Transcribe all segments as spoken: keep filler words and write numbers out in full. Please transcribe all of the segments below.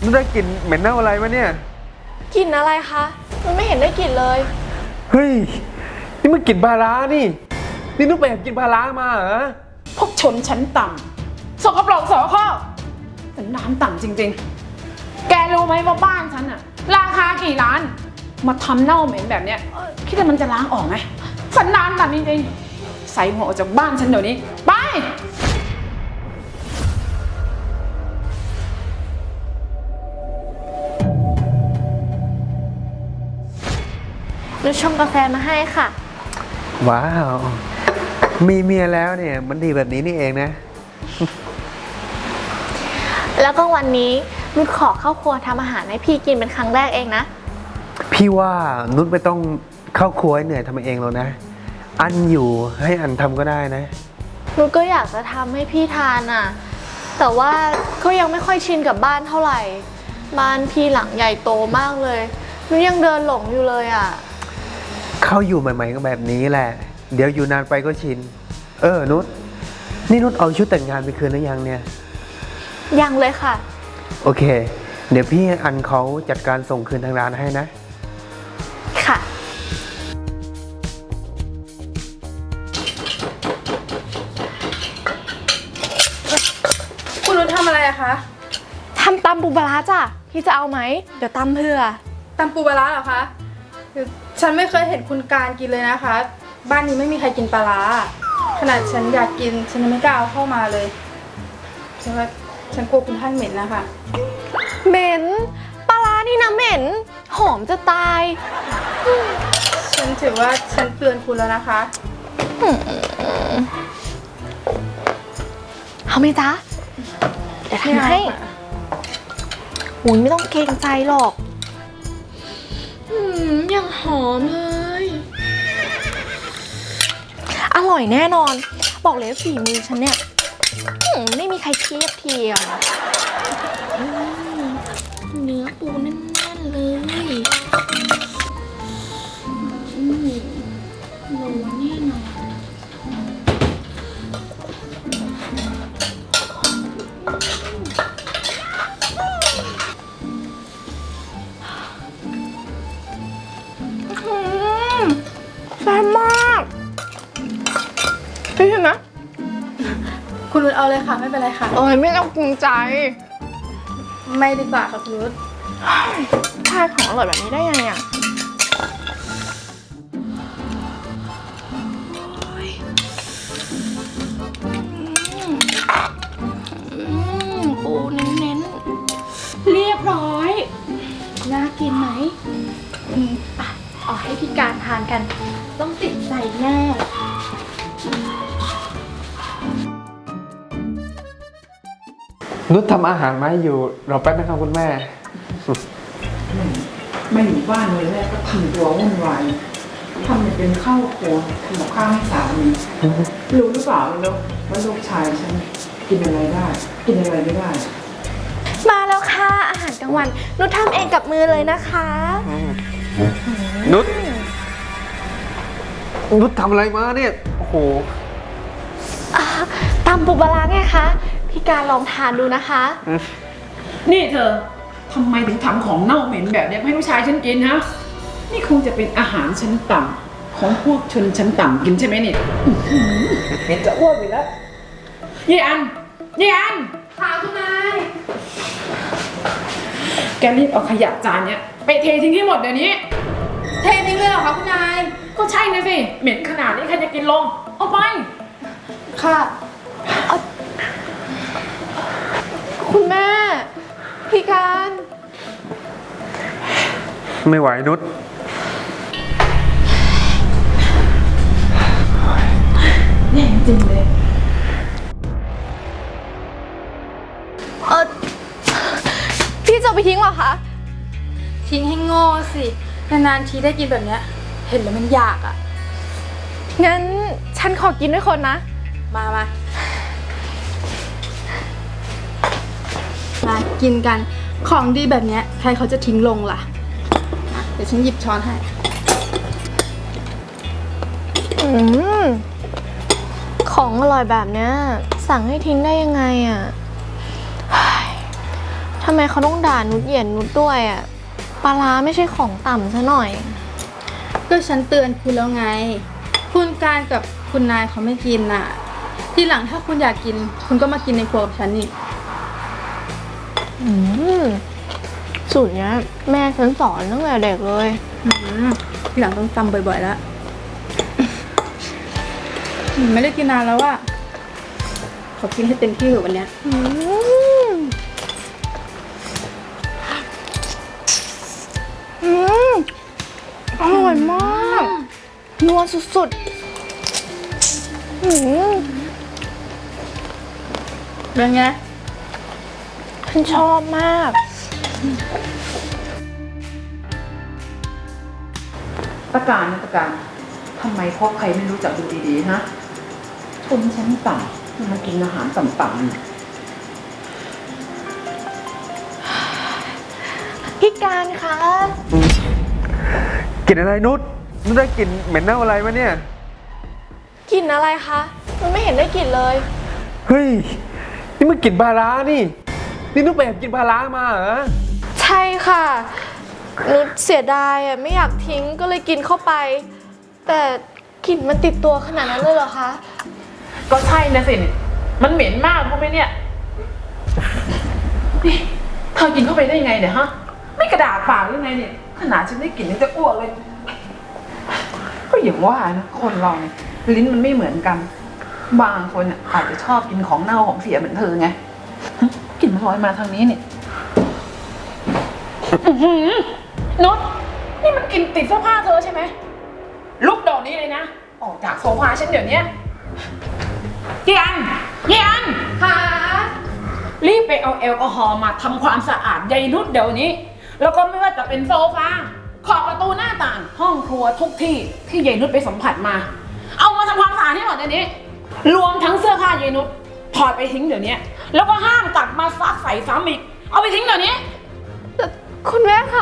นุชได้กลิ่นเหม็นเน่าอะไรวะเนี่ยกลิ่นอะไรคะมันไม่เห็นได้กลิ่นเลยเฮ้ยนี่มันกลิ่นปลาร้านี่นี่นุชไปแอบกินปลาร้ามาเหรอพวกชนชั้นต่ำสกปรกโสโครกสันดานต่ำจริงๆแกรู้ไหมว่าบ้านฉันอะราคากี่ล้านมาทำเน่าเหม็นแบบเนี้ยคิดว่ามันจะล้างออกไหมสันดานต่ำจริงๆใส่หัวออกจากบ้านฉันเดี๋ยวนี้ไปนุชชงกาแฟมาให้ค่ะว้าวมีเมียแล้วเนี่ยมันดีแบบนี้นี่เองนะแล้วก็วันนี้นุชขอเข้าครัวทำอาหารให้พี่กินเป็นครั้งแรกเองนะพี่ว่านุชไม่ต้องเข้าครัวให้เหนื่อยทำเองหรอกนะอันอยู่ให้อันทำก็ได้นะนุชก็อยากจะทำให้พี่ทานอ่ะแต่ว่าก็ยังไม่ค่อยชินกับบ้านเท่าไหร่บ้านพี่หลังใหญ่โตมากเลยนุชยังเดินหลงอยู่เลยอ่ะเข้าอยู่ใหม่ๆก็แบบนี้แหละเดี๋ยวอยู่นานไปก็ชินเออนุชนี่นุชเอาชุดแต่งงานไปคืนหรือยังเนี่ยยังเลยค่ะโอเคเดี๋ยวพี่อันเขาจัดการส่งคืนทางร้านให้นะค่ะคุณนุชทำอะไรอะคะทำตำปูปลาร้าจ้ะพี่จะเอาไหมเดี๋ยวตำเผื่อตำปูปลาร้าเหรอคะฉันไม่เคยเห็นคุณการกินเลยนะคะบ้านนี้ไม่มีใครกินปลาร้าขนาดฉันอยากกินฉันยังไม่กล้าเอาเข้ามาเลยฉันว่าฉันกลัวคุณท่านเหม็นนะคะเหม็นปลาร้านี่นะเหม็นหอมจะตายฉันถือว่าฉันเตือนคุณแล้วนะคะเอาไหมจ๊ะเดี๋ยวทำให้หุยไม่ต้องเกรงใจหรอกอืมยังหอมเลยอร่อยแน่นอนบอกเลยฝีมือฉันเนี่ยไม่มีใครเทียบเทียมเนื้อปูแน่นๆเลยโลแน่นอนแซ่บมากพี่เห็นไหมคุณนุชเอาเลยค่ะไม่เป็นไรค่ะเอ้ยไม่ต้องกลุ้มใจไม่ดีกว่าค่ะคุณนุชทานของอร่อยแบบนี้ได้ยังไงอ่ะปูเน้นๆเรียบร้อยน่ากินไหมอืมอ่ะเอาให้พี่การทานกันต้องติดใจแน่นุชทำอาหารมาให้อยู่รอแป๊บนะครับคุณแม่ไม่อยู่บ้านเลยแม่ก็ทำตัววุ่นวายทำเป็นข้าวโพดทำกับข้าวให้สามีรู้หรือเปล่าลูกว่าลูกชายฉันกินอะไรได้กินอะไรไม่ได้มาแล้วค่ะอาหารกลางวันนุชทำเองกับมือเลยนะคะนุชนุชทำอะไรมาเนี่ยโอ้โหตำปูปลาร้าไงคะพี่การลองทานดูนะคะนี่เธอทำไมถึงทำของเน่าเหม็นแบบนี้ให้ลูกชายฉันกินฮะนี่คงจะเป็นอาหารชั้นต่ำของพวกชนชั้นต่ำกินใช่ไหมเนี่ยเหม็นจะอ้วนไปแล้วยี่อันยี่อันค่ะคุณนายแกรีบเอาขยะจานเนี้ยไปเททิ้งให้หมดเดี๋ยวนี้เททิ้งเลยเหรอคะคุณนายก็ใช่นะสิเหม็นขนาดนี้ใครจะกินลงเอาไปค่ะคุณแม่พี่การไม่ไหวนุชแย่จริงเลยเออพี่จะไปทิ้งเหรอคะทิ้งให้โง่สินานๆทีได้กินแบบเนี้ยเห็นแล้วมันอยากอ่ะงั้นฉันขอกินด้วยคนนะมามามากินกันของดีแบบเนี้ยใครเขาจะทิ้งลงล่ะเดี๋ยวฉันหยิบช้อนให้อืมของอร่อยแบบเนี้ยสั่งให้ทิ้งได้ยังไงอ่ะททำไมเขาต้องด่านุชเหยียดนุชด้วยอะปลาร้าไม่ใช่ของต่ำซะหน่อยก็ฉันเตือนคุณแล้วไง คุณการกับคุณนายเขาไม่กินน่ะ ทีหลังถ้าคุณอยากกิน คุณก็มากินในครัวกับฉันนี่อืมสูตรเนี้ยแม่ฉันสอนตั้งแต่เด็กเลยอืมทีหลังต้องจำบ่อยๆแล้ว อืมไม่ได้กินนานแล้วอะขอกินให้เต็มที่เถอะวันเนี้ยอืมอืมอร่อยมากนัวสุดๆอืมเป็นไงฉันชอบมากตะการนะตะการทำไมพบใครไม่รู้จักดูดีๆฮะชนชั้นต่ำมากินอาหารต่ำๆนี่พี่การคะกลิ่นอะไรนุชนุชได้กลิ่นเหม็นเน่าอะไรมาเนี่ยกลิ่นอะไรคะมันไม่เห็นได้กลิ่นเลยเฮ้ย นี่มันกลิ่นปลาร้านี่ นี่นุชไปแอบกินปลาร้ามาเหรอใช่ค่ะนุชเสียดายอ่ะไม่อยากทิ้งก็เลยกินเข้าไป แต่กลิ่นมันติดตัวขนาดนั้นเลยเหรอคะก็ใช่นะสิ มันเหม็นมากรู้ไหมเนี่ยนี่เธอกินเข้าไปได้ไงเนี่ยฮะ ไม่กระดาษปากหรือไงเนี่ย ขนาดฉันได้กลิ่นยังจะอ้วกเลย ก็อย่างว่านะ คนเราเนี่ยลิ้นมันไม่เหมือนกัน บางคนน่ะอาจจะชอบกินของเน่าของเสียเหมือนเธอไงกลิ่นมันลอยมาทางนี้เนี่ยอื้อหือนุชนี่มันกลิ่นติดเสื้อผ้าเธอใช่ไหมลุกเดอกนี้เลยนะ ออกจากโซฟาฉันเดี๋ยวนี้เยียนเยียนค่ะรีบไปเอาแอลกอฮอล์มาทำความสะอาดยายนุชเดี๋ยวนี้ แล้วก็ไม่ว่าจะเป็นโซฟาขอบประตูหน้าต่าง ห้องครัวทุกที่ที่ยายนุชไปสัมผัสมา เอามาทำความสะอาดให้หมดเดี๋ยวนี้ รวมทั้งเสื้อผ้ายายนุชถอดไปทิ้งเดี๋ยวนี้ แล้วก็ห้ามกลับมาซักใส่ซ้ำอีก เอาไปทิ้งเดี๋ยวนี้แต่คุณแม่คะ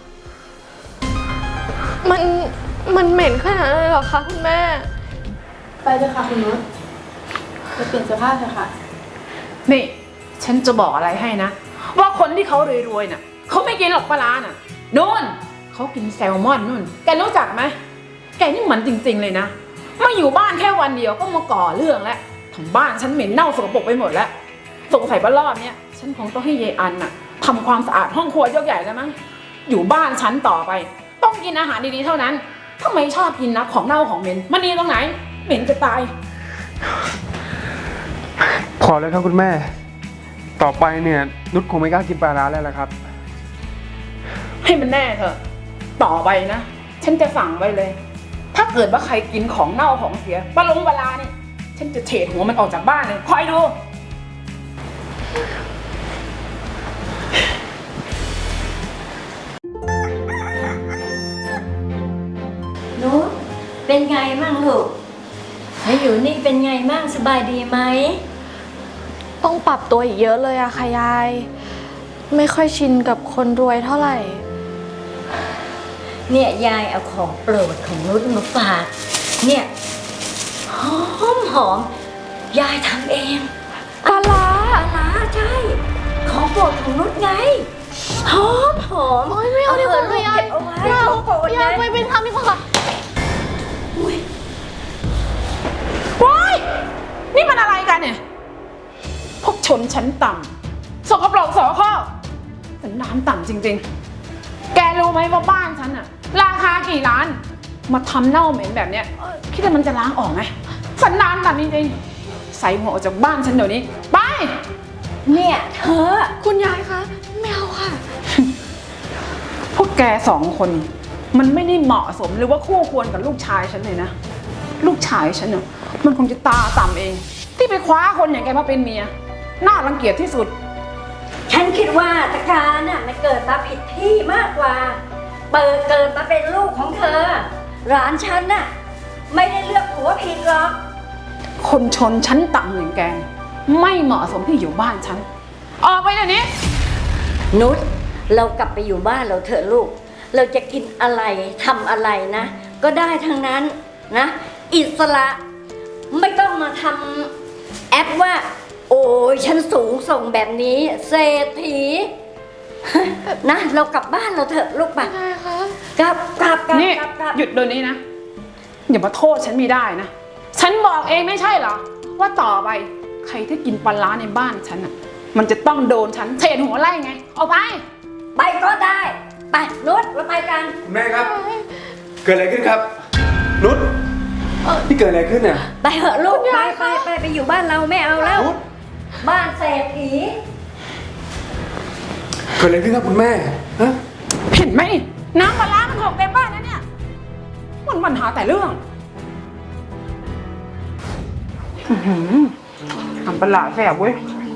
มัน มันเหม็นขนาดนั้นเลยเหรอคะคุณแม่ไปเลยค่ะคุณนุชไปเปลี่ยนเสื้อผ้าเถอะค่ะนี่ ฉันจะบอกอะไรให้นะ ว่าคนที่เขารวยๆน่ะเขาไม่กินหรอกปลาร้าน่ะนู่นเขากินแซลมอนนู่นแกรู้จักไหมแกนี่เหมือนจริงๆเลยนะมาอยู่บ้านแค่วันเดียวก็มาก่อเรื่องแล้วทั้งบ้านฉันเหม็นเน่าสกปรกไปหมดแล้วสงสัยว่ารอบเนี้ยฉันคงต้องให้เยายอันน่ะทำความสะอาดห้องครัวยกใหญ่แล้วมั้งอยู่บ้านฉันต่อไป ต้องกินอาหารดีๆเท่านั้นทำไมชอบกินนะของเน่าของเหม็นมันดีตรงไหนเหม็นจะตายพอแล้วครับคุณแม่ ต่อไปเนี่ยนุชคงไม่กล้ากินปลาร้าแล้วละครับให้มันแน่เถอะ ต่อไปนะ ฉันจะสั่งไว้เลย ถ้าเกิดว่าใครกินของเน่าของเสียปลาลงปลาลาเนี่ย ฉันจะเฉดหัวมันออกจากบ้านเลย คอยดูนุชเป็นไงมั่งลูกมาอยู่นี่เป็นไงมั่งสบายดีไหมต้องปรับตัวอีกเยอะเลยอะค่ะยาย ไม่ค่อยชินกับคนรวยเท่าไหร่เนี่ยยายเอาของโปรดของนุชมาฝากเนี่ยหอมหอมยายทำเองปลาร้าปลาร้าใช่ ของโปรดของนุชไงหอมหอมโอ๊ยไม่เอาดีกว่าลูค่ะกยายเก็บเอาไว้ยายของโปรดยายไงไปเป็นทำดีกว่าค่ะว้าย นี่มันอะไรกันเนี่ย พวกชนชั้นต่ำสกปรกสอข้อสันดานต่ำจริงๆ แกรู้ไหมว่าบ้านฉันอะราคากี่ล้าน มาทำเน่าเหม็นแบบเนี้ย คิดว่ามันจะล้างออกไหมสันดานต่ำจริงๆ ใส่หัวออกจากบ้านฉันเดี๋ยวนี้ ไปเนี่ยเธอคุณยายคะไม่เอาค่ะพวกแกสองคน มันไม่ได้เหมาะสมหรือว่าคู่ควรกับลูกชายฉันเลยนะ ลูกชายฉันเนี่ยมันคงจะตาต่ำเอง ที่ไปคว้าคนอย่างแกมาเป็นเมีย น่ารังเกียจที่สุดฉันคิดว่าตะการน่ะมันเกิดมาผิดที่มากกว่า เปิดเกิดมาเป็นลูกของเธอหลานฉันน่ะไม่ได้เลือกผัวผิดหรอกคนชนชั้นต่ำอย่างแก ไม่เหมาะสมที่อยู่บ้านฉัน ออกไปเดี๋ยวนี้นุชเรากลับไปอยู่บ้านเราเถอะลูก เราจะกินอะไรทำอะไรนะ ก็ได้ทั้งนั้นนะ อิสระไม่ต้องมาทำแอปว่า โอ้ยฉันสูงส่งแบบนี้เศรษฐีนะเรากลับบ้านเราเถอะลูกปะใช่ค่ะกลับกลับกลับนี่กลับกลับหยุดเดี๋ยวนี้นะ อย่ามาโทษฉันไม่ได้นะ ฉันบอกเองไม่ใช่เหรอ ว่าต่อไปใครที่กินปลาร้าในบ้านฉันอ่ะ มันจะต้องโดนฉันเฉดหัวไล่ไง เอาไปไปก็ได้ ไปนุชเราไปกันคุณแม่ครับ เกิดอะไรขึ้นครับ นุชนี่เกิดอะไรขึ้นเนี่ยไปเหอะลูกไปไปไปไปอยู่บ้านเราไม่เอาแล้วนุชบ้านเศรษฐีเกิดอะไรขึ้นครับคุณแม่ฮะเห็นไหมน้ำปลาร้ามันหกเต็มบ้านแล้วเนี่ยมันปัญหาแต่เรื่องอื้อหือทำปลาร้าแสบเว้ย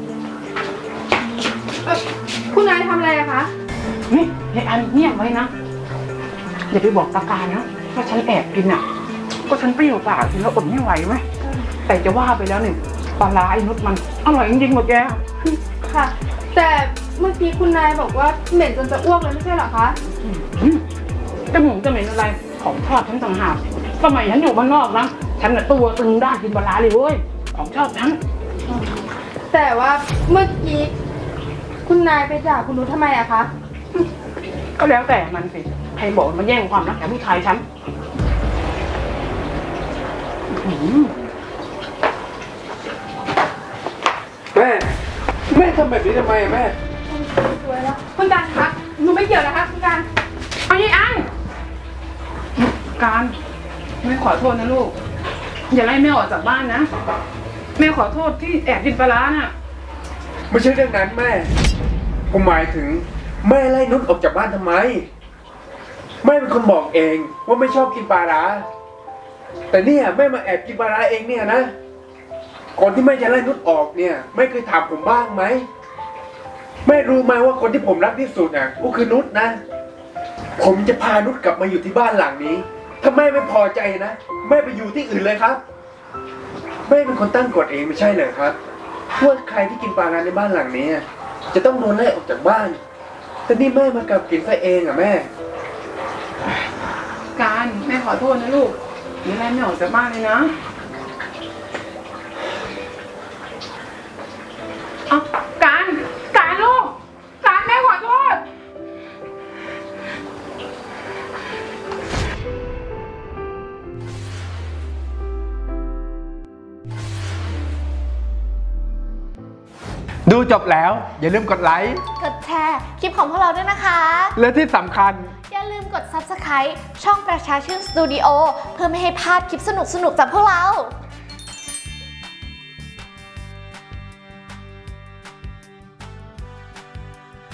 คุณนายทำอะไรอะคะนี่ไอ้อันเงียบไว้นะ อย่าไปบอกตาการนะว่าฉันแอบกินอ่ะ ก็ฉันเปรี้ยวปากกินแล้วอดไม่ไหวไหมแต่จะว่าไปแล้วเนี่ยปลาร้าไอ้นุชมันอร่อยจริงๆหมดแกค่ะ แต่เมื่อกี้คุณนายบอกว่าเหม็นจนจะอ้วกเลยไม่ใช่เหรอคะอืมจะหมูจะเหม็นอะไรของชอบฉันต่างหากสมัยฉันอยู่บ้านนอกนะฉันน่ะตัวตึงด้านกินปลาร้าเลยเว้ยของชอบฉันแต่ว่าเมื่อกี้คุณนายไปด่าคุณนุชทำไมอะคะก็แล้วแต่มันสิใครบอกมันแย่งความรักจากผู้ชายฉันอื้อหือแม่ แม่ทำแบบนี้ทำไมอะแม่สวยแล้ว คุณการคะหนูไม่เกี่ยวนะคะคุณการเอายี่อันการแม่ขอโทษนะลูก อย่าไล่แม่ออกจากบ้านนะ แม่ขอโทษที่แอบกินปลาร้าน่ะไม่ใช่เรื่องนั้นแม่ ผมหมายถึงแม่ไล่นุชออกจากบ้านทำไม แม่เป็นคนบอกเองว่าไม่ชอบกินปลาร้า แต่เนี่ยแม่มาแอบกินปลาร้าเองเนี่ยนะ ก่อนที่แม่จะไล่นุชออกเนี่ยแม่เคยถามผมบ้างไหมแม่รู้ไหมว่าคนที่ผมรักที่สุดอ่ะก็คือนุชนะ ผมจะพานุชกลับมาอยู่ที่บ้านหลังนี้ ถ้าแม่ไม่พอใจนะแม่ไปอยู่ที่อื่นเลยครับ แม่เป็นคนตั้งกฎเองไม่ใช่เหรอครับว่าใครที่กินปลาร้าในบ้านหลังนี้อะจะต้องโดนไล่ออกจากบ้าน แต่นี่แม่มากลับกินซะเองอ่ะแม่การแม่ขอโทษนะลูกอย่าไล่แม่ออกจากบ้านเลยนะเอาการการลูกการแม่ขอโทษดูจบแล้วอย่าลืมกดไลค์กดแชร์คลิปของพวกเราด้วยนะคะและที่สำคัญอย่าลืมกด ซับสไครบ์ ช่องประชาชื่นสตูดิโอเพื่อไม่ให้พลาดคลิปสนุกๆจากพวกเรา